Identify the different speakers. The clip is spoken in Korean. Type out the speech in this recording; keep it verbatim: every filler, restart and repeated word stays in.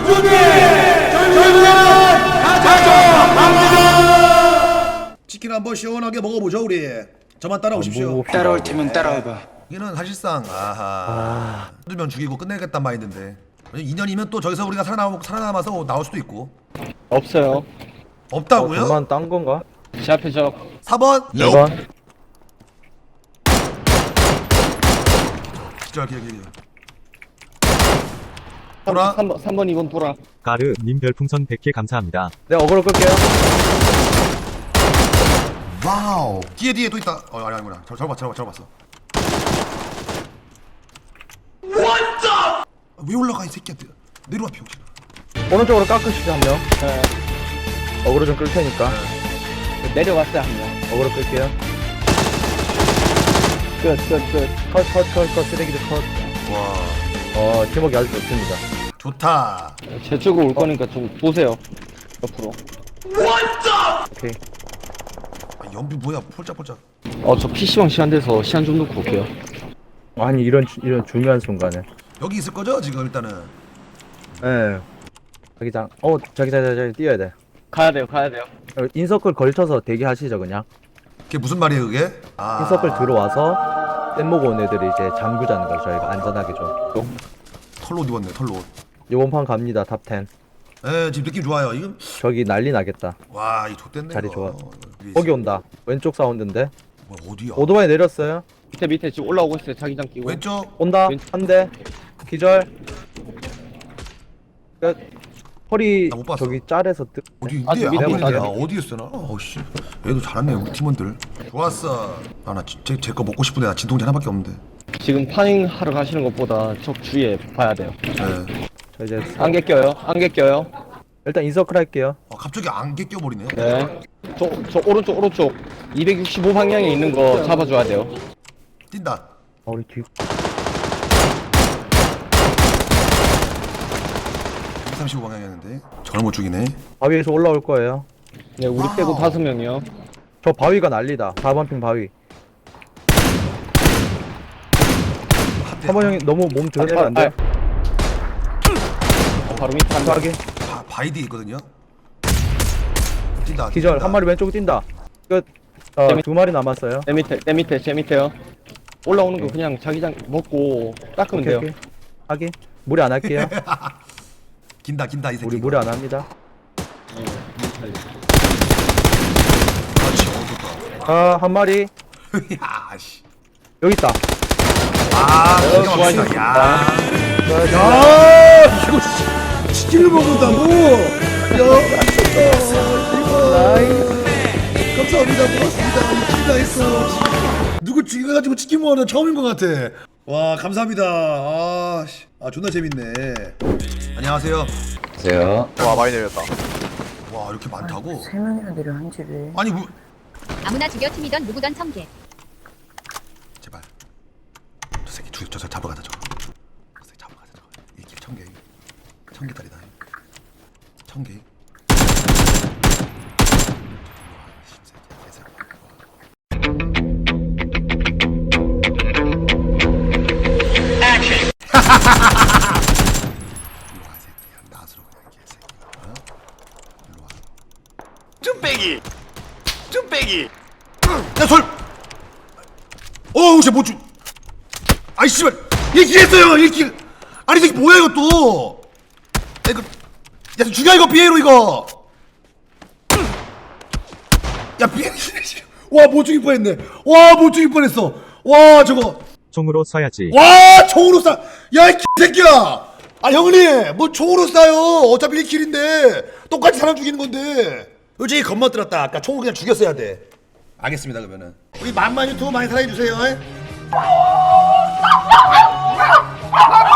Speaker 1: 준비! 저희는 가져갑니다! 치킨 한번 시원하게 먹어보죠 우리. 저만 따라오십시오.
Speaker 2: 따라올 테면 따라와봐.
Speaker 1: 여기는 사실상 아하 죽으면 죽이고 끝내겠단 마인드인데 이 년이면 또 저기서 우리가 살아남, 살아남아서 나올 수도 있고.
Speaker 3: 없어요.
Speaker 1: 없다고요?
Speaker 4: 어, 저만 딴 건가?
Speaker 3: 제 앞에 저
Speaker 1: 사 번
Speaker 4: 이 번
Speaker 1: 기절 기절 기절 돌아.
Speaker 3: 삼 번, 삼 번, 이 번 돌아.
Speaker 5: 가르 님 별풍선 백 개 감사합니다.
Speaker 4: 네, 어그로 끌게요.
Speaker 1: 와우 뒤에 뒤에 또 있다. 어 아니 아니구나. 저 저거 봤어 저거 저거 봤어. What the? 왜 올라가 이 새끼야. 내려와 병신아.
Speaker 4: 오른쪽으로 깎으시죠, 한 명.
Speaker 3: 네.
Speaker 4: 어그로 좀 끌 테니까.
Speaker 3: 내려왔어요, 한 명.
Speaker 4: 어그로 끌게요.
Speaker 3: 끝, 끝, 끝.
Speaker 4: 컷, 컷, 컷, 컷, 쓰레기들 컷.
Speaker 1: 와
Speaker 4: 어, 팀워크 아주 좋습니다.
Speaker 1: 좋다.
Speaker 3: 제 쪽으로 올 거니까 좀 보세요. 옆으로.
Speaker 4: 오케이.
Speaker 1: 아, 연비 뭐야 폴짝폴짝.
Speaker 3: 어, 저 피시방 시간 돼서 시간 좀 놓고 올게요.
Speaker 4: 아니, 이런, 주- 이런 중요한 순간에.
Speaker 1: 여기 있을 거죠 지금 일단은.
Speaker 4: 예. 자기장. 어, 자기장, 자기장, 뛰어야 돼.
Speaker 3: 가야 돼요, 가야 돼요.
Speaker 4: 어, 인서클 걸쳐서 대기하시죠, 그냥.
Speaker 1: 그게 무슨 말이에요 그게? 아
Speaker 4: 인서클 들어와서 뗏목 온 애들이 이제 잠그자는 걸 저희가 안전하게 좀.
Speaker 1: 털로 입었네 털로.
Speaker 4: 요번 판 갑니다, 탑 텐.
Speaker 1: 에 지금 느낌 좋아요. 이거
Speaker 4: 저기 난리 나겠다.
Speaker 1: 와이 좆됐네.
Speaker 4: 자리
Speaker 1: 이거.
Speaker 4: 좋아.
Speaker 1: 위에
Speaker 4: 거기
Speaker 1: 있어.
Speaker 4: 온다. 왼쪽 사운드인데.
Speaker 1: 뭐 어디야?
Speaker 4: 오토바이 내렸어요.
Speaker 3: 밑에, 밑에 지금 올라오고 있어요, 자기장 끼고.
Speaker 1: 왼쪽.
Speaker 4: 온다.
Speaker 3: 왼-
Speaker 4: 한 대. 기절. 끝. 허리
Speaker 1: 나못 봤어.
Speaker 4: 저기 짤에서 뜨.
Speaker 1: 어디
Speaker 3: 아,
Speaker 1: 있는데?
Speaker 3: 밑에
Speaker 1: 안 보이는데?
Speaker 4: 있다.
Speaker 1: 아, 어디 있어 나? 어씨 얘도 잘하네 우리 팀원들. 좋았어. 아나제제 거 먹고 싶은데 나 진통제 하나밖에 없는데.
Speaker 3: 지금 파밍 하러 가시는 것보다 적 주위에 봐야 돼요.
Speaker 1: 네.
Speaker 4: 저 이제
Speaker 3: 안개 껴요, 안개 껴요.
Speaker 4: 일단 인서클 할게요.
Speaker 1: 어, 갑자기 안개 껴버리네.
Speaker 3: 네. 저, 저 오른쪽, 오른쪽. 이백육십오 방향에 있는 거 잡아줘야 돼요.
Speaker 1: 뛴다.
Speaker 4: 아, 우리 뒤.
Speaker 1: 이백삼십오 방향이었는데 저를 못 죽이네.
Speaker 4: 바위에서 올라올 거예요.
Speaker 3: 네, 우리 빼고 다섯 명이요.
Speaker 4: 저 바위가 난리다. 사 번 핑 바위.
Speaker 1: 한
Speaker 4: 사 번 형이 너무 몸 드러내면 안 돼.
Speaker 3: 어, 바로 밑에 한 명.
Speaker 4: 바위.
Speaker 1: 바, 바이디 있거든요. 뛴다.
Speaker 4: 기절.
Speaker 1: 뛴다.
Speaker 4: 한 마리 왼쪽 뛴다. 끝. 어,
Speaker 3: 재밌-
Speaker 4: 두 마리 남았어요.
Speaker 3: 내 밑에, 내 밑에, 제 밑에요. 올라오는 거 그냥 자기장 먹고 닦으면
Speaker 4: 오케이,
Speaker 3: 돼요.
Speaker 4: 오케이. 하긴. 무리 안 할게요.
Speaker 1: 긴다 긴다 이 새끼.
Speaker 4: 우리 무리 안 합니다.
Speaker 1: 그렇지. 어 좋다.
Speaker 4: 아, 한 마리.
Speaker 1: 야 씨.
Speaker 4: 여기 있다.
Speaker 1: 아 기가
Speaker 3: 좋아요.
Speaker 1: 막히다. 야.
Speaker 4: 자,
Speaker 1: 야 이거 치- 치킨을 먹는다고? 야 미쳤다. 이거. 감사합니다. 고맙습니다. 치킨다 했어. 누구 죽여가지고 치킨 먹는 처음인 것 같아. 와 감사합니다. 아, 씨. 아 존나 재밌네. 안녕하세요.
Speaker 2: 안녕하세요.
Speaker 6: 와 많이 내렸다.
Speaker 1: 와 이렇게 많다고?
Speaker 7: 세 명이나 내려 한 집에.
Speaker 1: 아니 뭐
Speaker 8: 아무나 죽여 팀이던 누구던 청개.
Speaker 1: 제발 저 새끼 죽여 저, 저 잡아가자 저거. 저 새끼 잡아가자 저거. 이길 청개 청개다리다. 청개. 일로 와 새끼야. 나스로 그냥 개새끼야. 어? 일로 와.
Speaker 6: 쭈빼기. 쭈빼기.
Speaker 1: 야 솔! 어우 쟤못 죽. 아이 씨발 일 킬 했어요 일 킬. 아니 이게 뭐야 이거 또. 야 이거 야 죽여 이거 비에로 이거. 야 비에로 와못 죽일 뻔했네. 와못 죽일 뻔했어. 와 저거
Speaker 5: 총으로 쏴야지.
Speaker 1: 와 총으로 쏴. 야이 새끼야. 아 형님 뭐 총으로 쏴요. 어차피 일 킬인데 똑같이 사람 죽이는 건데. 솔직히 겁먹들었다. 아까 총을 그냥 죽였어야 돼. 알겠습니다 그러면은 우리 만만 유튜브 많이 사랑해주세요.